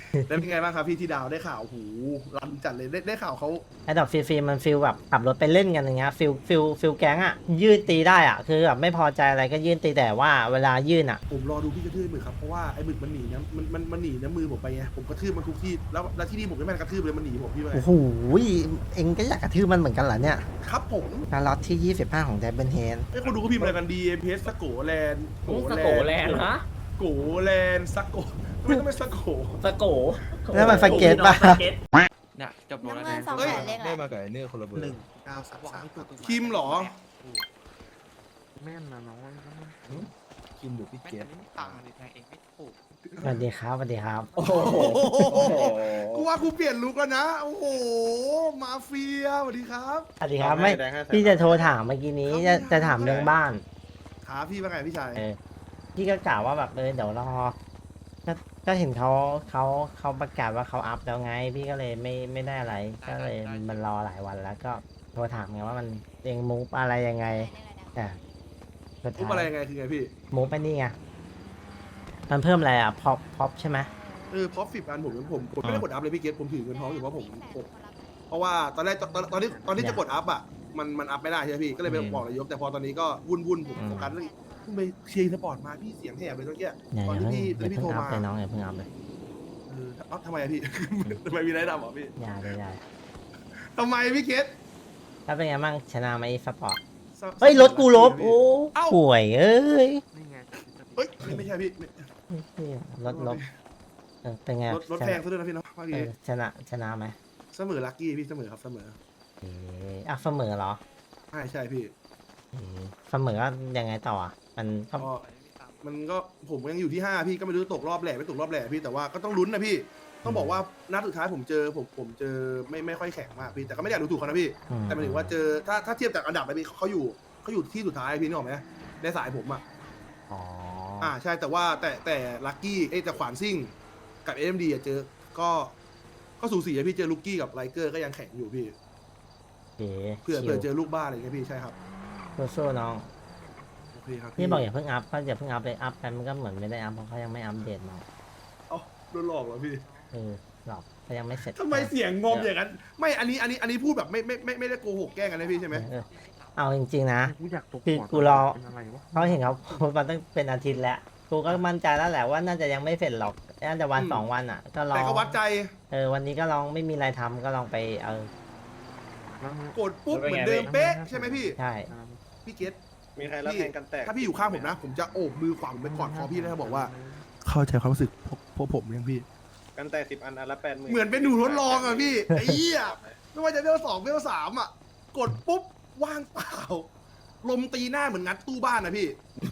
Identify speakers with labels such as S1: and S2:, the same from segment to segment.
S1: แล้วเป็นไงบ้างครับพี่ที่ดาวได้ข่าวหูรันจัดเลยได้ข่าวเขา
S2: ไอ้ดอกฟรีๆมันฟิลแบบขับรถไปเล่นกันอย่างเงี้ยฟิลแก๊งอ่ะยืดตีได้อ่ะคือแบบไม่พอใจอะไรก็ยื่นตีแต่ว่าเวลายื่นอ่ะ
S1: ผมรอดูพี่กระทืบหมึกครับเพราะว่าไอ้หมึกมันหนีนะมันหนีนะมือผมไปไงผมกระทืบมันทุกที่แล้วที่นี่ผมไม่แม่นกระทืบเลยมันหนีผมพี่ว่าไง
S2: โอ้โหเองก็อยากกระทืบมันเหมือนกันเหรอเนี่ย
S1: ครับผม
S2: การล็อตที่25ของไดเบิลเฮด
S1: ไอ้คนดูก็พิมพ์อะไรกันดีเพสสโกแลนด์
S3: สโกแลนด์ฮะ
S1: โกแลนด์สโกไม่ต้องเป็นสโก
S3: สโก
S2: แล้วมันสเก็ตป่ะ
S3: สเก็ต
S4: เนี่ยจบโปรแล้ว
S5: น้ำเงิน
S4: นะ
S5: สอง
S1: เอ้ย
S5: แสนเลขอะไร
S6: ได้มากับไอ้เนี่ยคนละเบอร์
S1: 1 9 3 3คิมเหรอ
S6: แม่นนะน้องคิมหรือพี่เกต
S4: ต่างเลยแทงเองไม่ถูก
S2: สวัสดีครับสวัสดีครับ
S3: โอ้โห
S1: กูว่ากูเปลี่ยนลุกแล้วนะโอ้โหมาเฟียสวัสดีครับ
S2: สวัสดีครับไม่พี่จะโทรถามเมื่อกี้นี้จะถามเรื่องบ้าน
S1: ขาพี่ว่าไงพี่ชาย
S2: เออพี่ก็กล่าวว่าแบบเดี๋ยวรอก็ก็เห็นเขาประกาศว่าเขาอัพแล้วไง พี่ก็เลยไม่ได้อะไร ก็เลยมันรอหลายวันแล้วก็โทรถามไงว่ามันเองมูฟอะไรยังไงอ่ะสุด
S1: ทุบ
S2: ท้า
S1: อะไร
S2: ย
S1: ยังไงคือไงพี่
S2: มูฟไปนี่ไงมันเพิ่มอะไรอ่ะพอปใช่ไหม
S1: พอฟิบอันผมไม่ได้กดอัพเลยพี่เกตผมถือเงินท้องอยู่เพราะผมเพราะว่าตอนแรกตอนที่จะกดอัพอ่ะมันอัพไม่ได้ใช่ไหมพี่ก็เลยไปบอกนายกแต่พอตอนนี้ก็วุ่นผมโฟกัสเรื่องเพิ่งไปเชียร์สปอร์ตมาพี่เสียงแหบเลยเมื่อกี้
S2: อย่า
S1: ตอน
S2: อย่า
S1: ที่
S2: เพิ่ง
S1: พี่
S2: อย่า
S1: ตอน
S2: เพิ่
S1: ที่ พี่โทรมา
S2: งอัพเลยน้องอย่าเพิ่งอัพเลย
S1: ทำไมอะพี่ ทำไมมีอะไรดำเหรอพี่
S2: อย่าเลยอย่า
S1: ทำไมพี่เกต
S2: แล้วเป็นไงบ้างชนะไหมสปอร์ตเฮ้ยรถกูลบโอ้ป่วยเอ้ย
S6: นี่ไง
S1: เฮ้ยไม่ใช่พี่
S2: รถลบเป็นไง
S1: รถแพงซะด้วยนะพี่เนาะเมื่อกี้
S2: ชนะไหม
S1: เสมอลัคกี้พี่เสมอครับเสมอ
S2: เสมอเหรอ
S1: ใช่พี่
S2: เสมอก็ยังไงต่ออ่ะมันก็
S1: ก็มันก็ผมยังอยู่ที่5พี่ก็ไม่รู้ตกรอบแหล่ไม่ตกรอบแหล่พี่แต่ว่าก็ต้องลุ้นนะพี่ต้องบอกว่านัดสุดท้ายผมเจอไม่ค่อยแข็งมากพี่แต่ก็ไม่ได้อยากดูถูกเขานะพี่ แต่หมายถึงว่าเจอถ้าเทียบจากอันดับไปพี่เขาอยู่ที่สุดท้ายพี่นึกออกไหมในสายผมอ่ะ
S2: อ๋อ
S1: ใช่แต่ว่าแต่ลัคกี้แต่ขวานซิ่งกับเอ็มดีเจอก็สูสีอะพี่เจอลูกกี้กับไลเกอร์ก็ยังแข็งอยู่พี่
S2: โอเค
S1: เผื่อเจอลูกบ้าอะไรอย่างเงี้ยพี่ใช่ครับ
S2: สู้ๆน้อง
S1: โอเคครับ
S2: พี่บอกอย่าเพิ่งอัพก็อย่าเพิ่งอัพเลยอัพไปมันก็เหมือนไม่ได้อัพเพราะเขายังไม่อัปเดตมา
S1: เอ้าโดนหลอกเหรอพี่
S2: หรอกเขายังไม่เสร็จ
S1: ทำไมเสียงงอมอย่างนั้นไม่อันนี้พูดแบบไม่ได้โกหกแกล้งกันนะพี่ใช่ไหม
S2: เอาจริงๆนะ
S6: กูอยากตก
S2: คือกูรอ
S6: เป็นอะไรวะ
S2: เขาเห็นเขาโพสต์มาตั้งเป็นอาทิตย์แล้วกูก็มั่นใจแล้วแหละว่าน่าจะยังไม่เสร็จหรอกน่าจะวัน2 วันอ่ะ ก็ลอง
S1: แต่ก็วัดใจ
S2: วันนี้ก็ลองไม่มีอะไรทำก็ลองไป
S6: แล้วมึง
S1: กดปุ๊บเหมือนเดิมเป๊ะใช่ไหมพี่
S2: ใช่
S1: พี่เกต
S7: มีใครรับแทงกันแตก
S1: ถ้าพี่อยู่ข้างผมนะ ผมจะโอบมือขวาผมไปกอดคอพี่แล้วบอกว่า เข้าใจความรู้สึกพวกผมยังพี่
S7: กันแตก10 อันอันละ80,000
S1: เหมือนเป็นหนูทดลองอ่ะพี่ไอ้เหี้ยไม่ว่าจะเวล2เวล3อ่ะกดปุ๊บว่างเปล่าลมตีหน้าเหมือนงัดตู้บ้านนะพี่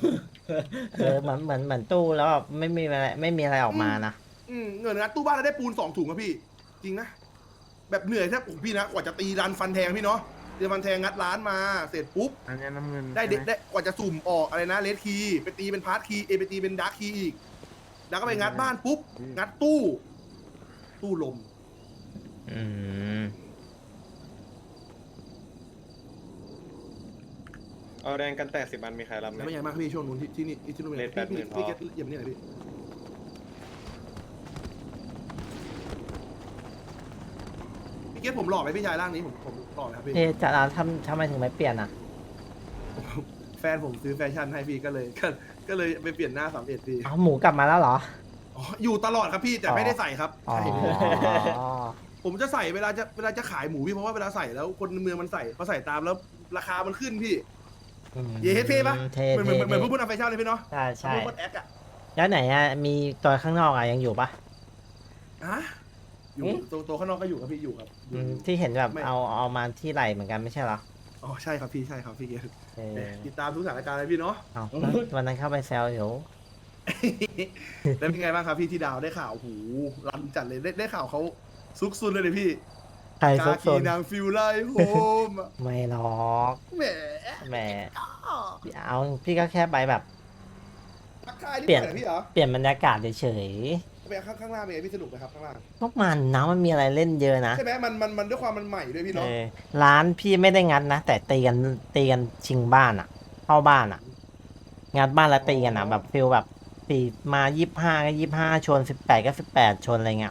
S2: เหมือนตู้แล้วแบบไม่มีอะไรออกมานะ
S1: เงินงัดตู้บ้านแล้วได้ปูน2 ถุงอะพี่ จริงนะแบบเหนื่อยแทบโอ้โหพี่นะกว่าจะตีรันฟันแทงพี่เนาะเดี๋ยวฟันแทงงัดร้านมาเสร็จปุ๊บ
S6: อันนี้น้ำเงิน
S1: ได้กว่าจะสุ่มออกอะไรนะเลดคีย์ไปตีเป็นพาร์ทคีย์ไปตีเป็นดาร์คคีย์อีก แล้วก็ไปงัดบ้านปุ๊บ งัดตู้ลม
S2: อืม
S7: เอาแดงกันแตก10 อันมีใครรับไหม
S1: แล้วเป็นไงบ้างครับพี่ช่วงนู้นที่นี่ที่นู่น
S7: เลท80,000
S1: พี่
S7: พอ
S1: เกตเหยียบนี่หน่อยพี่พี่เกตผมหล่อไหมพี่ชายร่างนี้ผมหล่อไหมครับพี่
S2: จะทำไมถึงไม่เปลี่ยนอ่ะ
S1: แฟนผมซื้อแฟชั่นให้พี่ก็เลยไปเปลี่ยนหน้า31พี่
S2: หมูกลับมาแล้วเหรอ
S1: อ๋ออยู่ตลอดครับพี่แต่ไม่ได้ใส่ครับ
S2: อ๋อ
S1: ใช่ผมจะใส่เวลาจะขายหมูพี่เพราะว่าเวลาใส่แล้วคนเมืองมันใส่พอใส่ตามแล้วราคามันขึ้นพี่ เย้เท่ปะ
S2: เท่
S1: เหมือนพวกนำแฟชั่นเลยพี่เนาะ
S2: ใช่
S1: พวกคนแอคอะ
S2: แล้วไหนอ่ะมีตัวข้างนอกอ่ะยังอยู่ปะ
S1: อยู่ตัวข้างนอกก็อยู่ครับพี่อยู่ครับอยู่
S2: ที่เห็นแบบ
S1: ไม่
S2: เอามาที่ไหล่เหมือนกันไม่ใช่เหรอ
S1: อ๋อใช่ครับพี่ใช่ครับพี่เกศ
S2: เออ
S1: ติดตามทุกสถานการณ์เลยพี่เนาะ
S2: เอาวันนั้นเข้าไปแซวอยู่
S1: แล้วเป็นไงบ้างครับพี่ที่ดาวได้ข่าวหูรันจัดเลยได้ข่าวเขาซุกซุนเลยพี่
S2: ใครซุกซ
S1: กี
S2: น
S1: นางฟิลไลโฮม
S2: ไม่หรอก
S1: แหม
S2: แหมเอาพี่ก็แค่ไปแบบ
S1: ทักทายนี่
S2: เปลี่ยน
S1: เหมือนพี่เหรอ
S2: เปลี่ยนบรรยากาศเฉย
S1: ไปข้างล่างเป็นไงพี่สนุกไหมครับข้างล่าง
S2: ๆพวกมันนะมันมีอะไรเล่นเยอะนะ
S1: ใช่ไหมมันด้วยความมันใหม่ด้วยพี่
S2: เอ
S1: เนาะ
S2: อร้านพี่ไม่ได้งัดนะแต่ตีกันชิงบ้านอ่ะ เข้าบ้านอ่ะ งัดบ้านแล้วตีกันอ่ะแบบฟิลแบบตีมา25ก็25ชน18ก็18ชนอะไรเงี้ย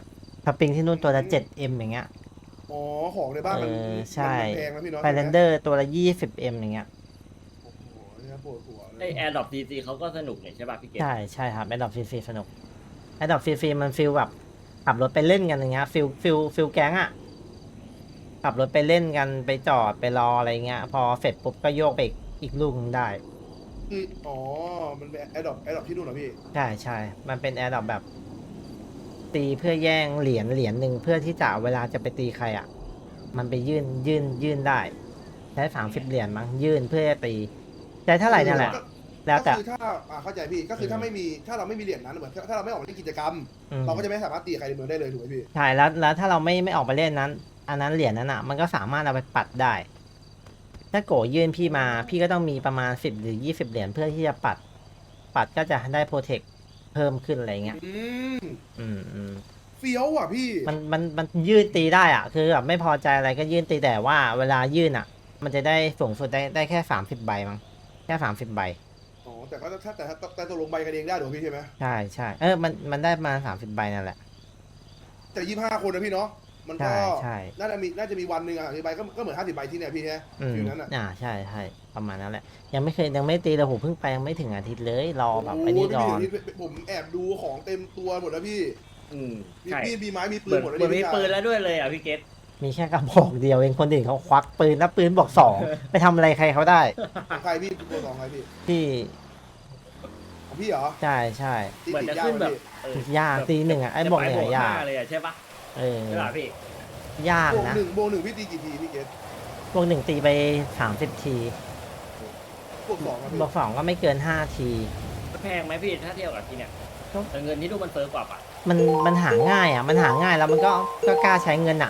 S2: สปริงที่นู่นตัวละ 7M อย่างเงี้ย
S1: อ๋อของในบ้านมัน
S2: ใช่
S1: มันแพงนะพี่เนาะ
S2: ไฟแลนเดอร์ตัวละ 20M อย่างเงี้ย
S1: โอ้โหเนี่ยปวดหัวเล
S3: ไอย แอร์ดรอปดีซีเขาก็สนุกเนี่ยใช่ป่ะพี่เกศ
S2: ใช่ใช่ครับแอดดอปฟรีๆสนุกแอดดอปฟรีๆมันฟิลแบบขับรถไปเล่นกันอย่างเงี้ยฟิลแก๊งอะขับรถไปเล่นกันไปจอดไปรออะไรเงี้ย พอเสร็จปุ๊บก็โยกไปอีกลูกหนึงได้
S1: คืออ๋อมันเป็นแอดดอปที่นู่นเหรอพี่
S2: ใช่ใช่มันเป็นแอดดอปแบบ ตีเพื่อแย่งเหรียญหนึ่งเพื่อที่จะเวลาจะไปตีใครอะมันไปยื่นได้ใช้30 เหรียญมั้งยื่นเพื่อจะตีใช้เท่าไหร่นั่นแหละ แล้วแต่
S1: ก็คือถ้าเข้าใจพี่ก็คือถ้าไม่มีถ้าเราไม่มีเหรียญนั้นเหมือนถ้าเราไม่ออกมาเล่นกิจกรรม
S2: อืม
S1: เราก็จะไม่สามารถตีใครในเมืองได้เลยถูกไหมพี่
S2: ใช่แล้วถ้าเราไม่ออกไปเล่นนั้น อันนั้นเหรียญนั้นอ่ะมันก็สามารถเอาไปปัดได้ ถ้าโกยื่นพี่มาพี่ก็ต้องมีประมาณ10หรือ20 เหรียญเพื่อที่จะปัดก็จะได้โปรเทคเพิ่มขึ้นอะไรเงี้ย อืม
S1: เฟี้ยวอ่ะพี่
S2: มันยื่นตีได้อ่ะ คือแบบไม่พอใจอะไรก็ยื่นตีแต่ว่าเวลายื่นอ่ะ มันจะได้สูงสุดได้แค่30 ใบมั้งแค่30 ใบ
S1: อ๋อแต่ก็แต่ตกลงใบกันเองได้ถูกไหมพี่ใช่ไหม
S2: ใช่ใช่มันได้มา30 ใบนั่นแหละ
S1: แต่25 คนนะพี่เนาะมันก็
S2: ใช่
S1: น่าจะมีวันหนึ่งอ่ะใบก็เหมือน50 ใบที่เนี่ยพี่ใช่ไหม
S2: อืม
S1: อยู่นั้นอ่ะ
S2: ใช่ประมาณนั้นแหละ ยังไม่ตีเลยผมเพิ่งไปยังไม่ถึงอาทิตย์เลยรอแบบไอ้นี่
S1: โย
S2: ก่อน
S1: พี่ผมแอบดูของเต็มตัวหมดแล้วพี่
S3: อืม
S1: มี
S3: ใช่
S1: มีดมีไม้มีปื
S3: เปิ
S1: น
S3: ด
S1: หมดแล้ว
S3: เปิดมี
S1: พี่
S3: ปืนแล้วด้วยเลยอ่ะพี่เกศ
S2: มีแค่กระบอกเดียวเองคนอื่นเขาควักปืนแล้วปืนบอก2 ไปทำอะไรใครเขาได้
S1: ของใครพี่ตัวสองใครพี่
S2: ที่
S1: ของพี่เหรอ
S2: ใช่
S1: ตี
S3: เหมือน
S1: ติด
S3: จะ
S1: ยาก
S3: ขึ้น
S1: ไหม
S3: แบบ
S1: พี่
S2: ยากตีหนึ่งอ่ะไอ้บอกเหนื่อยยาก
S3: เลยอ่ะใช่ปะ
S2: เออ
S3: ใช่ป่ะพี่
S2: ยาก
S1: บวก
S2: นะ
S1: หนึ่งบวกหนึ่งพี่ตีกี่ทีพี่เกต
S2: บวก 1ตีไป30 ที
S1: บวกสองครับพี่
S2: บวก2ก็ไม่เกิน5 ที
S3: แพงไหมพี่ถ้าเทียบกับที่เนี่ยแต่เงินที่นู่นมันเฟ้อกว่าป่ะ
S2: มันหาง่ายอ่ะมันหาง่ายแล้วมันก็กล้าใช้เงินอ่ะ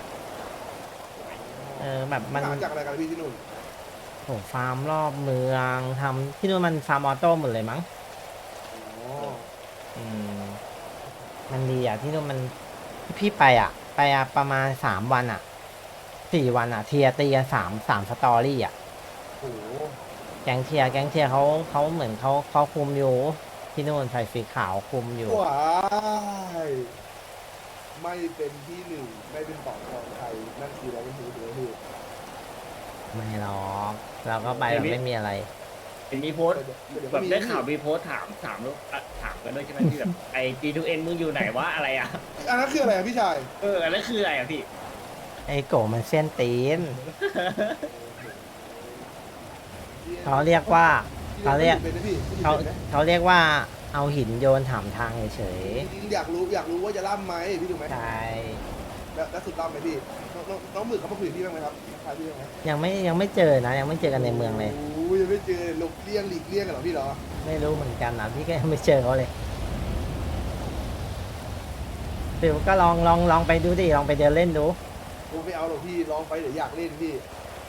S2: แบบมัน
S1: หาจากอะไรกันพี่ที่นู่น
S2: โหฟาร์มรอบเมืองทำที่นู่นมันฟาร์มออโต้หมดเลยมั้ง
S1: อ๋อ
S2: อืมมันดีอ่ะที่นู่นมันพี่ไปประมาณ3 วันอ่ะ4 วันอ่ะเทียร์ตีกันสามสตอรี่อ่ะ
S1: โอ้โห
S2: แก๊งเทียร์เขาเหมือนเขาคุมอยู่ที่นู่นใส่สีขาวคุมอยู่
S1: ว้ายไม่เป็นที่หนึ่งไม่เป็นต่อของใครนั่นคืออะไรกันถือพี่
S2: ไม่หรอกเราก็ไปแบบไม่มีอะไร
S3: เห็นมีโพสต์
S1: เดี๋ยว
S3: แบบ
S1: มี
S3: ได้ข่าวมีโพสต์ถามกันด้วยใช่ไหมที่แบบไอ้ G2N มึงอยู่ไหนวะอะไรอ่ะ
S1: อันนั้นคืออะไรอะพี่ชาย
S3: อันนั้นคืออะไรอ่ะพี่
S2: ไอ้โกมันเส้นตีน เขาเรียกว่า เขาเรียก
S1: เป็นไหมพี่
S2: เขาเรียกว่าเอาหินโยนถามทางเฉย
S1: อยากรู้ว่าจะล่ำไหมพี่ถูกไหม
S2: ๆใช่
S1: แล้วสุดล่ำไหมพี่น้องหมึกเขามาคุยกับพี่บ้างไหมครับทักทายพี่บ้างไหม
S2: ยังไม่เจอนะยังไม่เจอกันในเมืองเลย
S1: โอ้ยยังไม่เจอหลบเลี่ยงหลีกเลี่ยงกันเหรอพี่เหรอ
S2: ไม่รู้เหมือนกันนะพี่ก็ยังไม่เจอเขาเลยฟิวก็ลองไปดูดิลองไปเดินเล่นดู
S1: ผมไม่เอาหรอกพี่ลองไปเดี๋ยวอยากเล่นพี่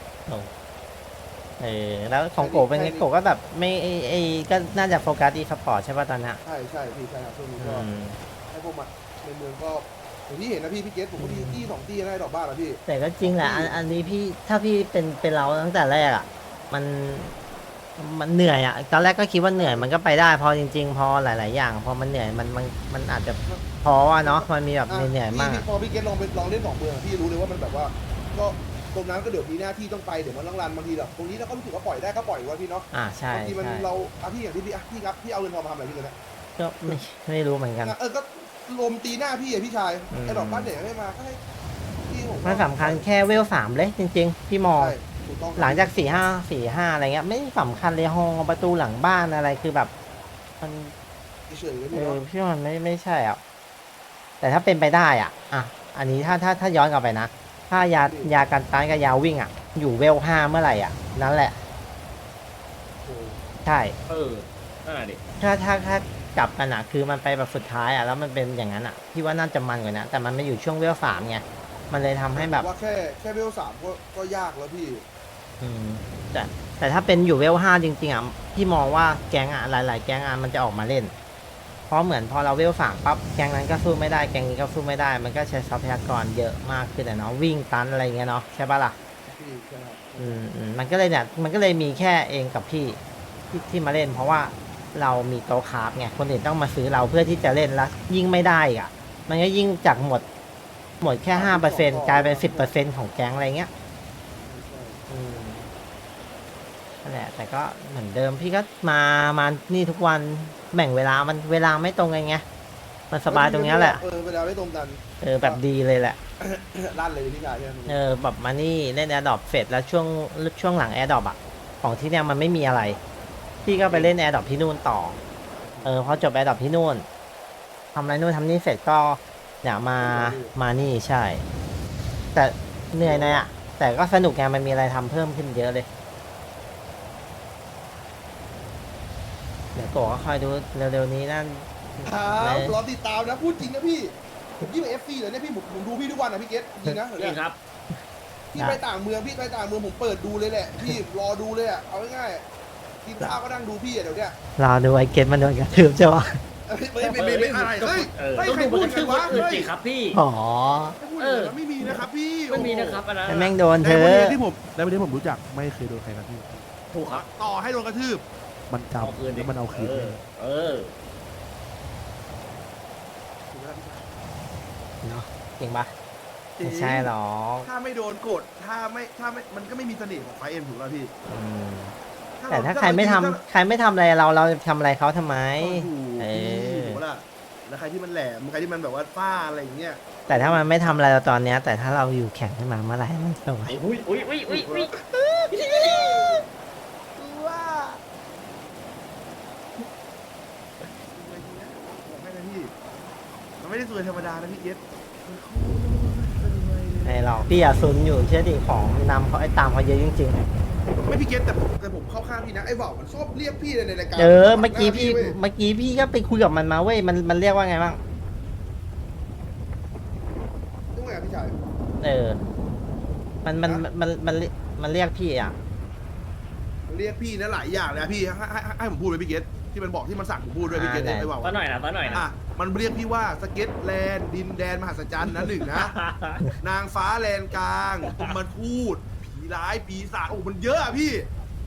S2: แล้วของโกเป็นไงโกก็แบบไม่ก็น่าจะโฟกัสอีสปอร์ตใช่ป่ะตอนนี้
S1: ใช่พี่ใช่ครับช่วงนี้
S2: อื
S1: ก็
S2: ม
S1: ให้พวกมันในเมืองก็อย่างที่เห็นนะพี่เกสผมก็ที่สองที่ได้ดอกบ้านแล้วพี่
S2: แต่ก็จริงแหละอันนี้พี่ถ้าพี่เป็นเราตั้งแต่แรกอ่ะมันเหนื่อยอ่ะตอนแรกก็คิดว่าเหนื่อยมันก็ไปได้พอจริง ๆ พอหลาย ๆ อย่าง พอมันเหนื่อยมันอาจจะพออ่ะเนาะมันมีแบบเหนื่อยๆมาก
S1: พอพี่เกสลองเล่นสองเมืองพี่รู้เลยว่ามันแบบว่า ก็ตรงนั้นก็เดี๋ยวมีหน้าที่ต้องไปเดี๋ยวมันต้องรันบางทีแบบตรงนี้เราก็รู้สึกว่าปล่อยได้ก็ปล่อยว่าพี่เนาะ
S2: ใช่
S1: บางทีมัน
S2: ใช่
S1: เราที่อย่างที่พี่ครับพี่เอาเงินทองมาทำอะไรพี่เลยนะ
S2: ก็ไม่รู้เหมือนกัน
S1: ก็ลมตีหน้าพี่อะพี่ชาย
S2: อืม
S1: ไอ้ดอกบ้านเด็กไม่มาก็ให้พี่ผม
S2: มันสำคัญแค่เวล3เลยจริง ๆ พี่มอง
S1: ใช่ถูกต้อง
S2: หลังจาก4-5อะไรเงี้ยไม่สำคัญเลยห้องประตูหลังบ้านอะไรคือแบบมัน
S1: เฉยๆเลยพี่เนาะ
S2: พี่ว่ามันไม่ใช่อ่ะแต่ถ้าเป็นไปได้อ่ะอันนี้ถ้าย้อนกลับไปนะถ้ายากันต้านกับยาวิ่งอยู่เวล5เมื่อไหร่นั่นแหละ
S1: โอ้โห
S2: ใช่
S3: นั่นแหละดิ
S2: ถ้ากลับกันคือมันไปแบบสุดท้ายแล้วมันเป็นอย่างนั้นพี่ว่าน่าจะมันกว่านะแต่มันไม่อยู่ช่วงเวล3ไงมันเลยทำให้แบบ
S1: ว่าแค่เวล3ก็ยากแล้วพี่
S2: แต่ถ้าเป็นอยู่เวล5จริงๆพี่มองว่าแก๊งหลายๆแก๊งมันจะออกมาเล่น เพราะเหมือนพอเราเวล3ปั๊บแก๊งนั้นก็สู้ไม่ได้แก๊งนี้ก็สู้ไม่ได้มันก็ใช้ทรัพยากรเยอะมากขึ้นเนาะวิ่งตันอะไรเงี้ยเนาะใช่ปะล่ะ
S1: พี่ใช่ครับ
S2: มันก็เลยมีแค่เองกับพี่ที่มาเล่น เพราะว่าเรามีโต๊ะคราฟไงคนอื่นต้องมาซื้อเราเพื่อที่จะเล่นแล้วยิ่งไม่ได้มันก็ยิ่งจากหมดหมดแค่5%กลายเป็น10%ของแก๊งอะไรเงี้ยนั่นแหละแต่ก็เหมือนเดิมพี่ก็มานี่ทุกวันแบ่งเวลามันเวลาไม่ตรงกันไงมันสบายตรงเนี้ยแหละ
S1: เวลาไม่ตรงกัน
S2: แบบดีเลยแหละ
S1: ลั่นเลยพี่ชายใช่ไหม
S2: แบบมานี่เล่นแอร์ดรอปเสร็จแล้วช่วงหลังแอร์ดรอปอะของที่เนี่ยมันไม่มีอะไร พี่ก็ไปเล่นแอร์ดรอปที่นู่นต่อพอจบแอร์ดรอปที่นู่นทำอะไรนู่นทำนี่เสร็จก็เนี่ยมานี่ใช่ แต่เหนื่อยนะอะแต่ก็สนุกไงมันมีอะไรทำเพิ่มขึ้นเยอะเลยเดี๋ยวโกก็คอยดูเร็วๆนี้นั่น
S1: ครับรอติดตามนะพูดจริงนะพี่ผมยิ่งเอฟซีเลยเนี่ยพี่ผมดูพี่ทุกวันนะพี่เกตจริงนะ
S3: นี่ครับ
S1: พี่ไปต่างเมืองผมเปิดดูเลยแหละพี่รอดูเลยอ่ะเอาง่ายๆกินข้าวก็นั่งดูพี่อ่ะเดี๋ยวเนี้ย
S2: รอดูไอ้เกตมันโดนกระทืบใช่ปะ
S1: ไม่อะไรเฮ้ย
S3: ต้อง
S1: ใคร
S3: ดู
S1: พู
S3: มั
S1: ด
S3: น
S1: กั
S3: คื
S1: น
S3: อ
S1: วะ
S3: คนอื่น
S1: เฮ้ย
S3: สิครับพี่
S2: อ๋อ
S1: ไม่มีนะครับพี่
S3: ไม่มีนะครับอันนั้น
S2: แม่งโดนเธ
S6: แต่
S2: อ
S6: วันนี้ที่ผมในวันนี้ผมรู้จักไม่เคยโดนใครกระทืบ
S3: ถูกครับ
S1: ต่อให้โดนกระทืบ
S6: มันจำแล้วมันเอาคืนเลย
S3: เออ
S2: เนาะจริงปะไม่ใช่หรอก
S1: ถ้าไม่โดนกดถ้าไม่มันก็ไม่มีเสน่ห์ของไฟเอ็มถูกแล้วพี่
S2: อืมแต่ถ้าใครไม่ทำอะไรเราจะทำอะไรเขาทำไม เออ
S1: ถูกล่ะแล้วใครที่มันแหลมใครที่มันแบบว่าฟ้าอะไรอย่างเงี้ย
S2: แต่ถ้ามันไม่ทำอะไรเราตอนเนี้ย แต่ถ้าเราอยู่แข่งขึ้นมาเมื่อไหร่มันจะไหว
S3: อุ้ยอุ้ยอุ้ยอุ้ยอุ้ย
S1: ว่าบอกให้นะพี่มันไม่ได้สวยธรรมดานะพี่เอส
S2: ไอ้หรอกพี่อะซุนอยู่เชื่อดิของนำเขาไอ้ตามเขาเยอะจริง
S1: ไม่พี่เกตแต่ผมเข้าข้างพี่นะไอ้บ่าวมันชอบเรียกพี่ในรายการ
S2: ๆเมื่อกี้พี่ก็ไปคุยกับมันมาเว้ยมันเรียกว่าไงบ้าง
S1: ต้องไงพี่ชาย
S2: มันเรียกพี่อ่ะ
S1: เรียกพี่นะหลายอย่างเลยนะพี่ให้ผมพูดเลยพี่เกตที่มันบอกที่มันสั่งผมพูดด้วยพี่เกตไอ้บ่าว
S3: ตอนหน่อยนะตอนหน่อยนะ
S1: อ่ะมันเรียกพี่ว่าสเก็ตแลนด์ดินแดนมหัศจรรย์นะหนึ่งนะ นางฟ้าแลนกลางพมทูตผีร้ายปีศาจโอ้มันเยอะอะพี่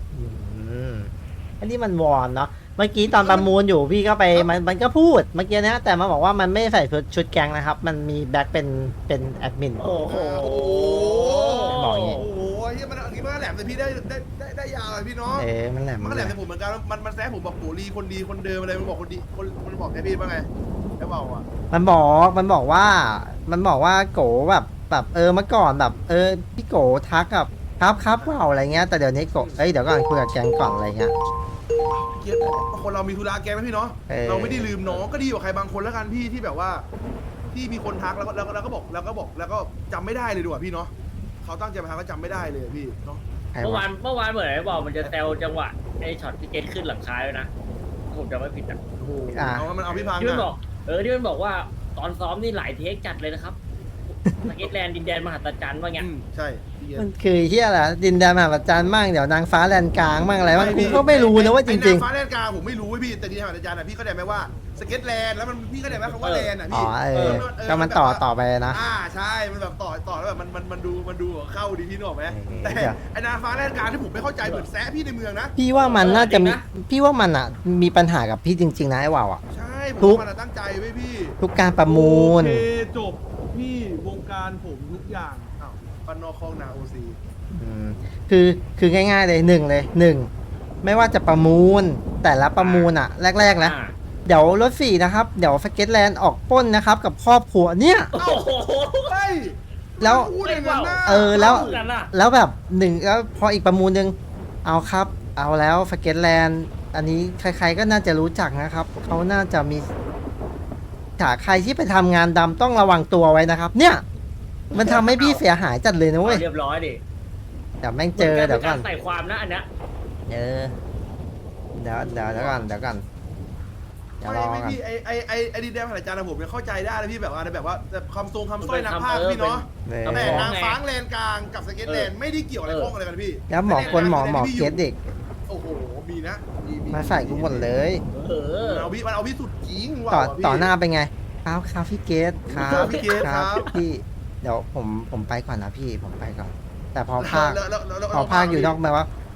S2: อันนี้มันวอนเนาะเมื่อกี้ตอนประมูลอยู่พี่ก็ไปมันก็พูดเมื่อกี้นะแต่มันบอกว่ามันไม่ใส่ชุดแก๊งนะครับ มันมีแบ็คเป็นแอดมิน
S3: โอ้โห
S2: บอกอย่างงี้
S1: โอ้โหเฮียมันอันนี้มันแหลมแต่พี่ได้ยาวเลยพี่เนาะ
S2: มันแหลม
S1: มันก็แหลมแต่ผมเหมือนกันมันแซะผมบอกโหรีคนดีคนเดิมอะไรมันบอกคนดีมันบอกแค่พี่ว่าไงไอ้เบาอ่ะ
S2: มันบอกว่าโกแบบเมื่อก่อนแบบพี่โกทักกับครับเปล่าอะไรเงี้ยแต่เดี๋ยวนี้โกเดี๋ยวก่อนคุยกับแก๊งก่อนอะไรเงี้ย
S1: เกียรคนเรามีธุระแกนะพี่เนาะ เราไม่ได้ลืมน้องก็ดีกว่าใครบางคนแล้วกันพี่ที่แบบว่าที่มีคนทักแล้วก็บอกแล้วก็จำไม่ได้เลยดีกว่าพี่เนาะเขาตั้งใจมาทักก็จำไม่ได้เลยพี่เนาะ
S3: เมื่อวานเหมือนไอ้บอกมันจะแซวจังหวะไอ้ช็อตที่เกตขึ้นหลังคาเลยนะผมจะไม่ผิดอ่ะ
S1: โอ้โหมันเอาพี่พัง
S3: ที่มันบ
S1: อ่ะ
S3: อกที่มันบอกว่าตอนซ้อมนี่หลายเทคจัดเลยนะครับสเก็ตแลนด์ดินแดนมหัศจรรย์ว่าไง
S1: ใช่พี่เกียร
S2: มันคือเฮียแหละดินแดนมหาประจันมั่งเดี๋ยวนางฟ้าแลนกลางมั่งอะไรมั่งกูก็ไม่รู้นะว่าจริง
S1: ฟ้าแลนกลางผมไม่รู้พี่แต่ดีทางอาจารย์อ่ะพี่เข้าใจไหมว่าสเก็ตแลนด์แล้วมันพี่เข้าใจไหมคำว่าแลนด์อ่ะ
S2: ๆอ๋
S1: พี่
S2: อก็มันต่อไปนะ
S1: ใช่มันแบบต่อแล้วแบบมันดูเข้าดีพี่นึกออกไหมแต่
S2: เดี๋ยว
S1: ไอ้นางฟ้าแลนกลางที่ผมไม่เข้าใจเหมือนแซะพี่ในเมืองนะ
S2: พี่ว่ามันน่าจะมีพี่ว่ามันอ่ะมีปัญหากับพี่จริงๆนะไอ้ว่าวอ่ะ
S1: ใช่ผ
S2: ทุ
S1: ม
S2: ก
S1: มันตั้งใจไว้พี่
S2: ทุกการประมูล
S1: โอเคจบพี่วงการผมทุกอย่างอ้าวปันนอกคลองนาโอซี
S2: คือง่ายๆเลยหนึ่งไม่ว่าจะประมูลแต่ละประมูลอ่ะ แรกๆนะเดี๋ยวรถ4นะครับเดี๋ยวสเก็ตแลนด์ออกปล้นนะครับกับครอบครัวเนี่ย
S3: โอ้โห
S1: เฮ้ย
S2: แล้ว
S1: พูดอย่างนั้นนะ
S2: แล้วแบบหนึ่งแล้วพออีกประมูลหนึ่งเอาครับ เอาแล้วสเก็ตแลนด์อันนี้ใครๆก็น่าจะรู้จักนะครับเขาน่าจะมีถ้าใครที่ไปทำงานดำต้องระวังตัวไว้นะครับ เนี่ย มันทำให้พี่เสียหายจัดเลยนะเว้ย
S3: เรียบร้อยดิ
S2: เดี๋ยวแม่งเจอเดี๋ยวก่อน
S3: ใส่ความนะอันเนี้ย
S2: เดี๋ยวก่อนเดี๋ยวรอ
S1: ไม่
S2: กัน
S1: พี่ไอ้ดินแดนผ่านอาจารย์นะผมยังเข้าใจได้นะพี่แบบว่าแบบคำทรงคำสร้อยนักภาคพี่เนาะแต่นางฟ้าแลนกลางกับสเก็ตแลนด์ไม่ได้เกี่ยวอะไรข้องอะไรกันพี่
S2: แล้วหมอเกตเด็ก
S1: โอ้โหมีนะ
S2: มาใส่กูหมดเลย
S1: มันเอาพี่สุดจริงว่ะ
S2: ต่อหน้าเป็นไงครับพี่เกตครับ
S1: พี่เกตครับ
S2: พี่เดี๋ยวผมไปก่อนนะพี่ผมไปก่อน แต่พอภาคอยู่นอกมาว่า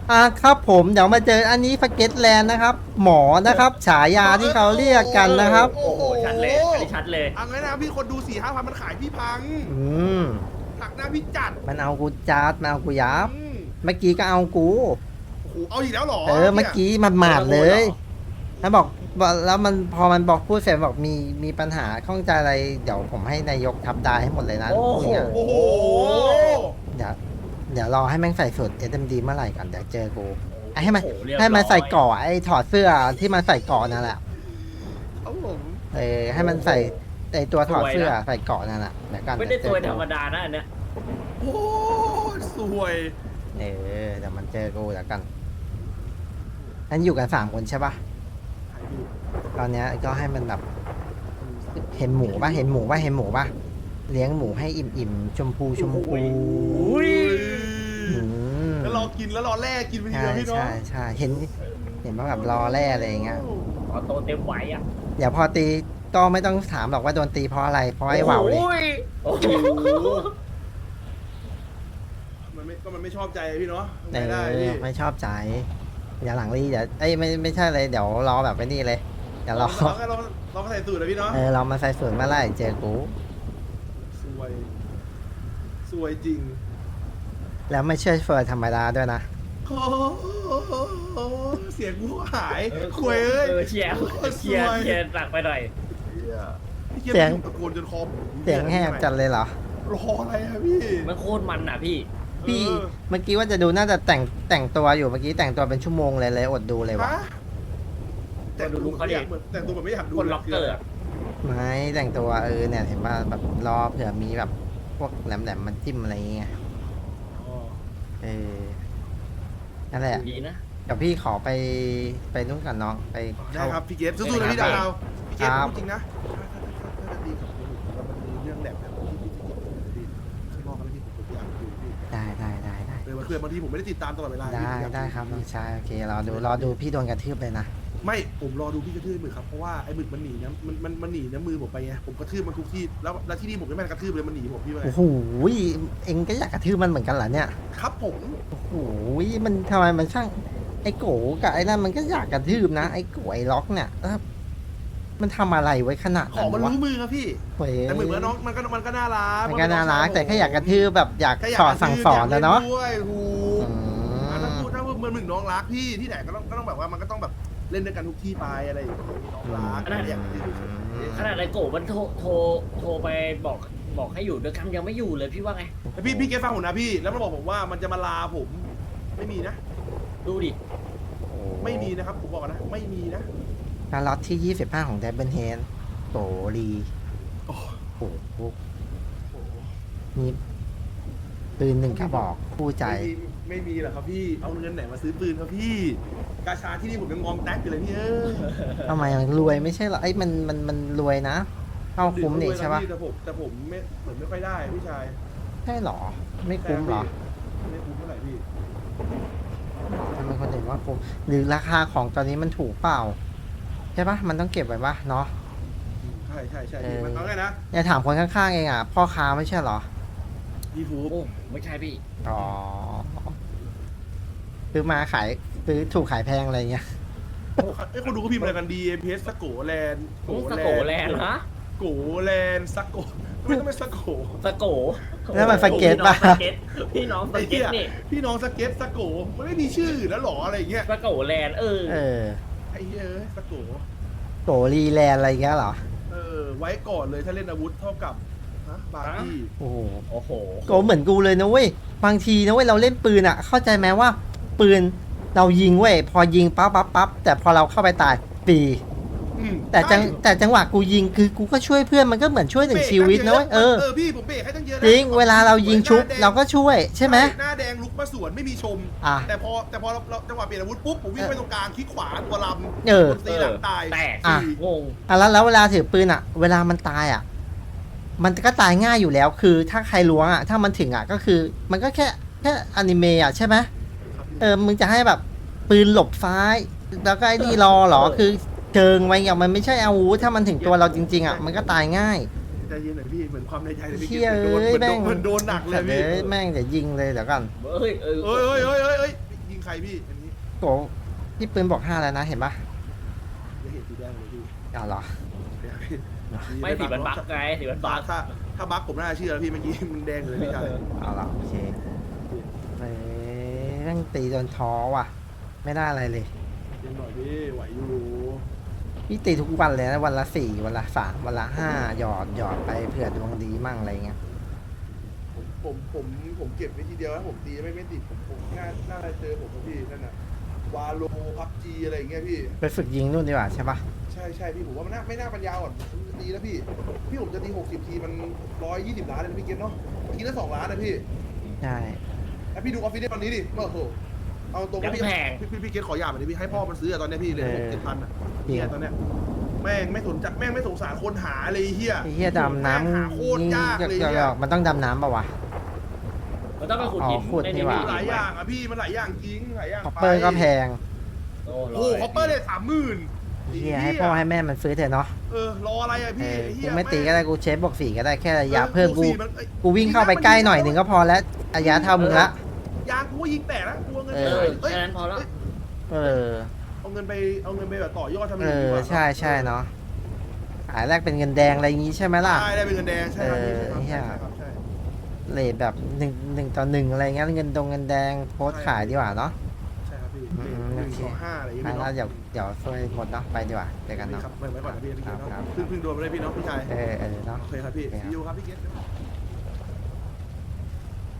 S2: ครับผมเดี๋ยวมาเจออันนี้สเก็ตแลนด์นะครับ หมอนะครับ ฉายาที่เขาเรียกกันนะครับ
S3: โอ้โหชัดเลยอันนี้ชัดเลย
S1: เอางั้นนะพี่คนดู4-5 พันมันขายพี่พัง
S2: อืม
S1: หักหน้าพี่จัด
S2: มันเอากูจัดมันเอากูยับ
S1: อืม
S2: เมื่อกี้ก็เอากู
S1: โอ้โหเอาอีกแล้วเหรอ
S2: เมื่อกี้มันหมาดเลยแล้วบอกแล้วมันพอมันบอกพูดเสร็จบอกมีปัญหาข้องใจอะไรเดี๋ยวผมให้นายกทับได้ให้หมดเลยนะ
S3: โอ้โห
S2: เนี่ย
S1: โอ้โห
S2: เดี๋ยวรอให้แม่งใส่สูตร SMD เมื่อไหร่ก่อนเดี๋ยวเจอกูให้มัน
S3: โอ้โหเรียบร้อย
S2: ให้มันใส่เกาะไอ้ถอดเสื้อที่มันใส่เกาะนั่นแหละ
S1: เอาผม
S2: ให้มันใส่ไอ้ตัวถอดเสื้อใส่เกาะนั่นแหละเดี๋ยวกัน
S3: ไม่ได้
S2: เจ
S3: ตั
S2: อ
S3: ว
S2: กู
S3: ธรรมดานะอันเนี้ย
S1: โอ้สวย
S2: เดี๋ยวมันเจอกูเดี๋ยวกันนั้นอยู่กัน3 คนใช่ปะ
S1: ถ่ายพี่
S2: ตอนเนี้ยก็ให้มันแบบเห็นหมูปะเห็นหมูปะเห็นหมูปะเลี้ยงหมูให้อิ่มๆชมพูชมพู
S3: อุ้ย
S2: อืม
S1: แล้วรอกินแล้วรอแลกกินไปที
S2: ใช่
S1: เดียวพี่เนาะ
S2: ใช่เห็นว่าแบบรอแร่อะไรอย่างเงี้ย
S3: ขอโตเต็มไหวอ่ะ
S2: เดี๋ยวพอตีก็ไม่ต้องถามหรอกว่าโดนตีเพราะอะไรเพราะไอ้เหว่าเลย
S3: โอ้โห
S1: มันไม่ชอบใจพี่เนาะ
S2: เอ
S1: ไม่ได้พี่
S2: อไม่ชอบใจอย่าหลังรีเดี๋ยวไม่ใช่เลยเดี๋ยวรอแบบไอ้นี่เลยเดี๋ยวรอ
S1: เรามาใส่สูตรนะพี่เนาะ
S2: เรามาใส่สูตรเมื่อไหร่เจอกู
S1: สวยจริง
S2: แล้วไม่เชื่อเฟิร์นธรรมดาด้วยนะ
S1: โอ้โหเสียงกูหายคุยเอ้ย
S3: เชียร์หนักไปหน่อย
S1: พี่เกียร์ตะโกนจนคอผม
S2: เสียงแหบจัดเลยเหรอ
S1: รออะไรอะพี่
S3: มันโคตรมันอ่ะพี่
S2: พี่เมื่อกี้ว่าจะดูน่าจะแต่งตัวอยู่เมื่อกี้แต่งตัวเป็นชั่วโมงเลยอดดูเลยวะ
S1: ฮะแต่งตัวแบบไม่อยากดู
S3: คนล็อกเกอร์อะ
S2: ไม่แต่งตัวเนี่ยเห็นว่าแบบรอเผื่อมีแบบพวกแหลมมันจิ้มอะไรอย่างเงี้ยนั่นแหละ
S3: ดีนะ
S2: เดี๋ยวพี่ขอไปนู่นก่อนน้องไป
S1: ได้
S2: เข้า
S1: ครับพี่เกฟสู้ๆนะพี่ดาวพี่เกฟพูดจริงนะถ้าจะดีกับผมแล้วมันมีเรื่องแหลมแบบที่ข้างนอกแล้วพี่ผมอยากดูพี่
S2: ได้
S1: เพื่อนบางทีผมไม่ได้ติดตามตลอดเวลา
S2: ได้ครับน้องชายโอเครอดูพี่โดนกระทืบเลยนะ
S1: ไม่ผมรอดูพี่กระทืบหมึกครับเพราะว่าไอ้หมึกมันหนีนะมันหนีนะมือผมไปไงผมกระทืบมันทุกที่แล้วที่นี่ผมไม่แม่นกระทืบเลยมันหนีผมพี่ไป
S2: โอ้โหเอ็งก็อยากกระทืบมันเหมือนกันเหรอเนี่ย
S1: ครับผม
S2: โอ้โหมันทำไมมันช่างไอ้โกกับไอ้นั่นมันก็อยากกระทืบนะไอ้โกไอ้ล็อกเนี่ยมันทำอะไรไว้ขนาด
S1: ข
S2: นั้
S1: อน มัน
S2: วะ
S1: รู้มือครับพี่
S2: เว้ย
S1: แต่หมึกแล้วน้องมันก็น่ารัก
S2: มันก็น่ารักแต่แค่อยากกระทืบแบบอยาก
S1: แค่อยา
S2: ส
S1: ก
S2: อนสั่งสอนนะเนาะ
S1: ด้วยถูก
S2: อืม
S1: ถ้าพูดเหมือนหมึกน้องรักพี่ที่ไหนก็ต้องแบบว่ามันก็ต้องแบบเล่นด้วยกันทุกที่ไปอะไรอย่างเงี้ยน้องรักอยากกระทืบ
S3: ขนาดไอ้โกะมันโทรไปบอกให้อยู่ด้วยกันยังไม่อยู่เลยพี่ว่าไง
S1: แต่พี่เกฟฟังผมนะพี่แล้วมันบอกผมว่ามันจะมาลาผมไม่มีนะ
S3: ดูดิ
S1: ไม่มีนะครับผมบอกก่อนนะไม่มีนะ
S2: การล็อตที่25ของเดบเบิลเฮนโตรีโอ้โหมีปืน1 กระบอกคู่ใจ
S1: ไม่มีหรอกครับพี่เอาเงินไหนมาซื้อปืนครับพี่กาชาที่นี่ผมยังงอมแท็กอยู่เลยพี่
S2: ทำไมมันรวยไม่ใช่เหรอไอ้มันรวยนะเข้าคุ้มนี่ใช่ปะ
S1: แต่ผมไม่เหมือนไม่ค่อยได้พี่ชาย
S2: ใช่เหรอไม่คุ้มเหรอ
S1: ไม่คุ้มเท่าไหร่พี่
S2: ทำไมคนอื่นว่าคุ้มหรือราคาของตอนนี้มันถูกเปล่าใช่ปะมันต้องเก็บไว้ปะเนาะ
S1: ใช่พี่มันเอาไงนะ
S2: เนี่ยถามคนข้างๆเองอ่ะพ่อค้าไม่ใช่เหรอ
S1: พี่ฟู
S3: โอ้ไม่ใช่พี่
S2: อ๋อซื้อมาขายซื้อถูกขายแพงอะไรเงี้ย
S1: ไอ้คนดูก็พิมพ์อะไรกันดีเพสสโกแลนด์
S3: สโกแลนด์ฮะ
S1: โกแลนด์สโกไม่ต้องเป็นสโก
S3: สโก
S2: แล้วมันสเก็ตปะ
S3: พี่น้องสเก็ตนี่
S1: พี่น้องสเก็ตสโกมันไม่มีชื่อแล้วหรออะไรอย่างเงี้ย
S3: สโกแลนด์
S2: เออ
S1: ไอ้เอ้ยสโก
S2: โตรีแลนด์อะไรเงี้ยเหรอ
S1: ไว้ก่อนเลยถ้าเล่นอาวุธเท่ากับบาร์บี้
S2: โอ้โห
S3: โอ้โห
S2: โกเหมือนกูเลยนะเว้ยบางทีนะเว้ยเราเล่นปืนอ่ะ เข้าใจไหมว่า ปืนเรายิงเว้ยพอยิงปั๊บแต่พอเราเข้าไปตายปี แต่จังหวะกูยิงคือกูก็ช่วยเพื่อนมันก็เหมือนช่วย1 ชีวิตนะเว้ย
S1: พี่ผมเบรกให้ตั้งเยอะ
S2: จริงเวลาเรายิงชุบเราก็ช่วยใช่ไหม
S1: หน้าแดงลุกมาสวนไม่มีชม แต่พอเราจังหวะเปลี่ยนอาวุธปุ๊บผมวิ่งไปตรงกลางคลิกขวาตัวลำตีหลังตาย
S3: แตกงง
S2: แล้วเวลาถือปืนอ่ะ เวลามันตายอ่ะ มันก็ตายง่ายอยู่แล้วคือถ้าใครล้วงอ่ะถ้ามันถึงอ่ะก็คือมันก็แค่อนิเมะอ่ะใช่ไหมมึงจะให้แบบปืนหลบซ้าย แล้วก็ไอ้นี่รอเหรอคือเชิงไว้อย่างมันไม่ใช่อาวุธถ้ามันถึงตัวเราจริงๆอ่ะมันก็ตายง่าย
S1: ใจเย็นหน่อยพี่เหมือนความในใจเลยพี่
S2: เชี่ยแม่ง
S1: มันโดนหนักเลยพี่
S2: แม่งเดี๋ยวยิงเลยเดี๋ยวกัน
S3: เฮ้ย
S1: ยิงใครพี่อันนี้
S2: โกพี่ปืนบอก5แล้วนะเห็นปะ
S1: จะเห็นสีแดงเลยพี่
S2: เอาเหรอ
S3: ไม่สีมันบักไงสีมันบัก
S1: ถ้าบักผมน่าเชื่อพี่เมื่อกี้มันแดงเลยพี่ชาย
S2: เอาเหรอโอเคเฮ้ยแม่งตีโดนท้อว่ะ ไม่ได้อะไรเลย
S1: เย็นหน่อยพี่ไหวอยู่
S2: พี่ตีทุกวันเลยนะวันละ4วันละ3วันละ5หยอดไปเผื่อดวงดีมั่งอะไรเงี้ย
S1: ผมเก็บไว้ทีเดียวนะผมตีไม่ติดผมน่าจะเจอผมกับพี่นั่นน่ะวาโลพับจีอะไรอย่างเงี้ยพี่
S2: ไปฝึกยิงนู่นดีกว่าใช่ปะ
S1: ใช่พี่ผมว่ามันไม่น่าปัญญาอ่อนผมจะตีแล้วพี่ผมจะตี60ทีมัน120ล้านเลยนะพี่เกณฑ์เนาะทีละ2ล้านนะพี่
S2: ใช่
S1: แล้วพี่ดูออฟฟิศตอนนี้ดิโอ้โหเอาตรง
S3: ยัง
S1: พี่
S3: แพง
S1: พี่เกณฑ์ขอหยาบหน่อยดิพี่ให้พ่อมันซื้ออะตอนเนี้ยพี่เลย6-7 พันอ่ะเนี่ยตอนเนี้ยแม่งไม่สงสารคนหาเลยเฮีย
S2: ไอ้เหี้ยดำน้ำ
S1: หาโคตรยากเลย
S2: หยอกมันต้องดำน้ำป่าวะ
S3: มันต้องไปขุดหิน
S2: อ๋อขุด
S3: ใน
S2: นี่หว่า
S1: หลายอย่างอ่ะพี่มันหลายอย่างจริงหลายอย่าง
S2: คอปเปอร์ก็แพง
S3: โอ้
S1: โอ้โหคอปเปอร์เลย30,000
S2: เฮียให้พ่อให้แม่มันซื้อเถอะเนาะ
S1: รออะไรอ่ะ
S2: เอ
S1: พี่
S2: อ
S1: ไอ้เฮี
S2: กู
S1: ย
S2: ไม่ตีก็ได้กูเชฟบอก4ก็ได้แค่ระยะเพิ่มกู
S1: สี่นอ้ย
S2: กูวิ่งเข้าไปใกล้หน่อยหนึ่งก็พอแล้วระยะเท่ามึงละ
S1: ยางกูก็ยิงแตกแล้วกูเอาเงิน
S2: เอ
S1: ไป
S2: อ
S3: แค่นั้นพอแล้ว
S2: เออ
S1: เอาเงินไปแบบต่อยอดทำ
S2: เอ
S1: ย่างอื่นดี
S2: อก
S1: ว่า
S2: ใช่เนาะขายแรกเป็นเงินแดงอะไรอย่างงี้ใช่ไหไหมล่ะ
S1: ได้เป็นเงินแดงใช่ครับพี่
S2: เออ
S1: ใช่ครับใช่
S2: เลทแบบ1 ต่อ 1อะไรเงี้ยเงินแดงโพสต์ขายดีกว่าเนาะ
S1: ใช่ครับพี่
S2: อืม
S1: หนึ่ง
S2: โอเค
S1: สองห้าอะไรอย่าง
S2: ไป
S1: เงี้ย
S2: แล้ว
S1: เนาะ
S2: เดี๋ยวช่วยหมดเนาะไปดีกว่าเจอกันเนาะ
S1: ครับไว้ก่อนนะพี่เนาะ
S2: ครับ
S1: เพิ่งโดนมาเลยพี่เนาะพี่ชาย
S2: เออเนาะ
S1: โอเคครับพี่
S2: โอเคครับ
S1: ซีอูครับพี่เกศ